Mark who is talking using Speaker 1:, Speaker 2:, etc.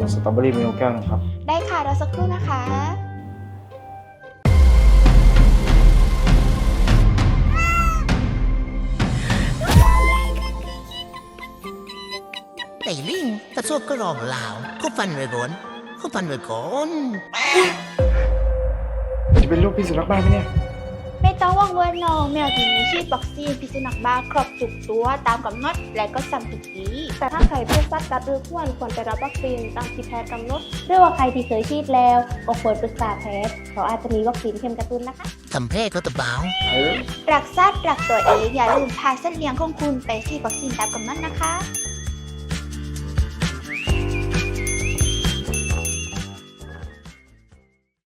Speaker 1: สตรอเบอรี่เมลแก้วนึงครับ
Speaker 2: ได้ค่ะรอสักครู่นะคะ
Speaker 3: ไอ้ลิงกระโซบก็รองลาวเขาฟันไว้ก่อนเขาฟันไว้ก่อน
Speaker 1: จะเป็นลูกพี่สุนัขบ้าไหมเนี่ย
Speaker 2: ไม่ต้องว่างเวอร์น้องแมวที่มีฉีดวัคซีนพิษสุนัขบ้าครบทุกตัวตามกำหนดและก็ซ้ำทุกปี
Speaker 4: แต่ถ้าใครเป็นสัตว์กัดหรือควรไปรับวัคซีนตามที่แพทย์กำหนดหรือว่าใครที่เคยฉีดแล้วก็ควรปรึกษาแพทย์เพราะอาจจะมีวัคซีนเข็มกระตุ้นนะคะ
Speaker 3: ทำแพ้ก็ตะเบา
Speaker 2: รักสัตว์รักตัวเองอย่าลืมพาสัตว์เลี้ยงของคุณไปฉีดวัคซีนตามกำหนดนะคะ